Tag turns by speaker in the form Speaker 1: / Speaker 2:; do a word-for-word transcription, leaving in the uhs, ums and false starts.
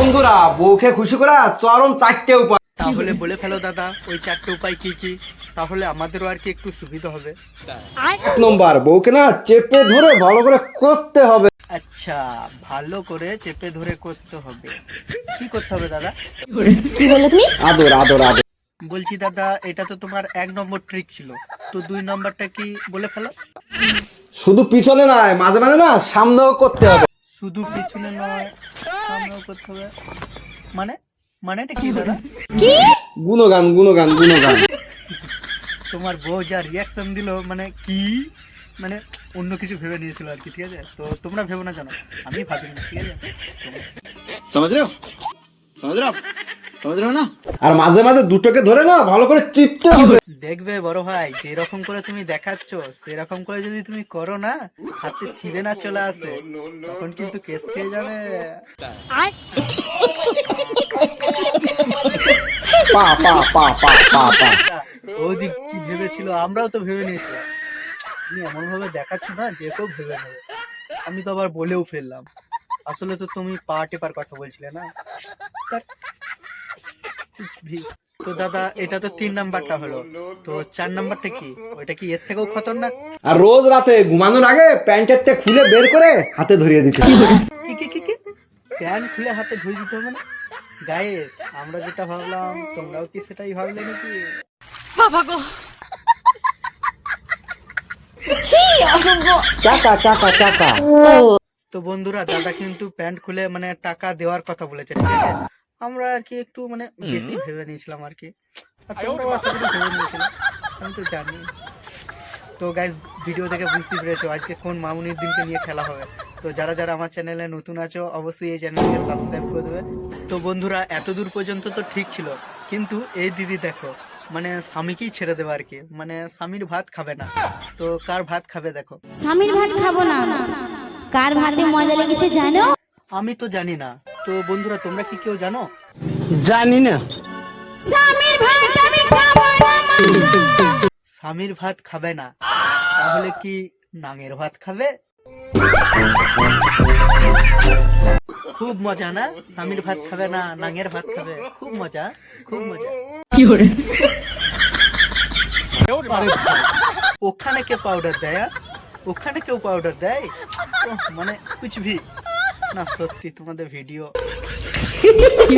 Speaker 1: বন্ধুরা, বউকে খুশি করা চরম চারটে উপায়।
Speaker 2: তাহলে বলে ফেলো দাদা, ওই চারটে উপায় কি কি, তাহলে আমাদেরও আর কি একটু সুবিধা হবে।
Speaker 1: এক নম্বর, বউকে না চেপে ধরে ভালো করে করতে হবে।
Speaker 2: আচ্ছা, ভালো করে চেপে ধরে করতে হবে। কি করতে হবে দাদা?
Speaker 3: কি বললে তুমি?
Speaker 1: আদর আদর আদর।
Speaker 2: বলছি দাদা, এটা তো তোমার এক নম্বর ট্রিক ছিল, তো দুই নম্বরটা কি বলে ফেলো।
Speaker 1: শুধু পিছনে নয়, মাঝে মাঝে না সামনেও করতে হবে।
Speaker 2: শুধু পিছনে নয়, সামনেও করতে হবে। মানে মানে এটা কি দাদা?
Speaker 3: কি?
Speaker 1: গুণগান গুণগান গুণগান।
Speaker 2: তোমার বউ যা রিয়াকশন দিল, মানে কি, মানে অন্য কিছু ভেবে নিয়েছিল আর কি। ঠিক আছে, তো তোমরা ভেবো না, জানো আমি ভাবিনি। ঠিক আছে,
Speaker 4: समझ रहे हो समझ रहे हो आप समझ रहे हो ना।
Speaker 1: আর মাঝে মাঝে দুটোকে ধরে না ভালো করে চিপতে হবে।
Speaker 2: দেখবে বড় ভাই, যেরকম করে তুমি দেখাচ্ছ সেরকম করে যদি তুমি করো না, হাতে ছিঁড়ে না চলে আসে, তখন কিন্তু কেস খেয়ে যাবে।
Speaker 1: পা পা পা পা পা পা।
Speaker 2: ওদিক কি ভেবেছিল, আমরাও তো ভেবে নিয়েছিলাম। তুমি এমন ভাবে দেখাচ্ছ না, যে কেউ ভেবে নেবে। আমি তো আবার বলেও ফেললাম, আসলে তো তুমি পা টেপার কথা বলছিলে না। তা- কুছ ভি। তো দাদা, এটা তো তিন নাম্বারটা হলো, তো চার নাম্বারটা কি? ওইটা কি এর থেকেও খতরনাক?
Speaker 1: আর রোজ রাতে ঘুমানোর আগে প্যান্টেরটা খুলে বের করে হাতে ধরিয়ে দিতে হবে।
Speaker 2: কি কি কি কি প্যান্ট খুলে হাতে ধুই দিতে হবে না? গাইস, আমরা যেটা ভাবলাম তোমরাও কি সেটাই ভাবলে নাকি?
Speaker 3: ছি, অসভ্য।
Speaker 1: টাকা টাকা টাকা।
Speaker 2: তো বন্ধুরা, দাদা কিন্তু প্যান্ট খুলে মানে টাকা দেওয়ার কথা বলেছে। ঠিক আছে, আমরা আর কি একটু মানে বেশি ভেবে নিয়েছিলাম আর কি। আর তোমরাও আশা করি ভেবে নিয়েছিলে, আমি তো জানি। তো গাইস, ভিডিও দেখে বুঝতে পেরেছো আজকে কোন মামুনির দিনকে নিয়ে খেলা হবে। তো যারা যারা আমার চ্যানেলে নতুন আছো, অবশ্যই এই চ্যানেলকে সাবস্ক্রাইব করে দেবে। তো বন্ধুরা, এত দূর পর্যন্ত তো ঠিক ছিল, কিন্তু এই দিদি দেখো, মানে স্বামীকেই ছেড়ে দেবে আর কি। মানে স্বামীর ভাত খাবে না, তো কার ভাত খাবে দেখো।
Speaker 3: স্বামীর ভাত খাবো না, কার ভাতে মজা লেগেছে জানো?
Speaker 2: আমি তো জানি না। তো বন্ধুরা, তোমরা কি কেউ জানো?
Speaker 1: জানি না।
Speaker 3: স্বামীর ভাত আমি খাবো না।
Speaker 2: স্বামীর ভাত খাবে না, তাহলে কি নাঙের ভাত খাবে? খুব মজা না? স্বামীর ভাত খাবে না, নাঙের ভাত খাবে, খুব মজা, খুব মজা। আরে ভাই, ওখানে কে পাউডার দেয়? আর? ওখানে কেউ পাউডার দেয়? ওহ, মানে কুছ ভি না। সত্যি তোমাদের ভিডিও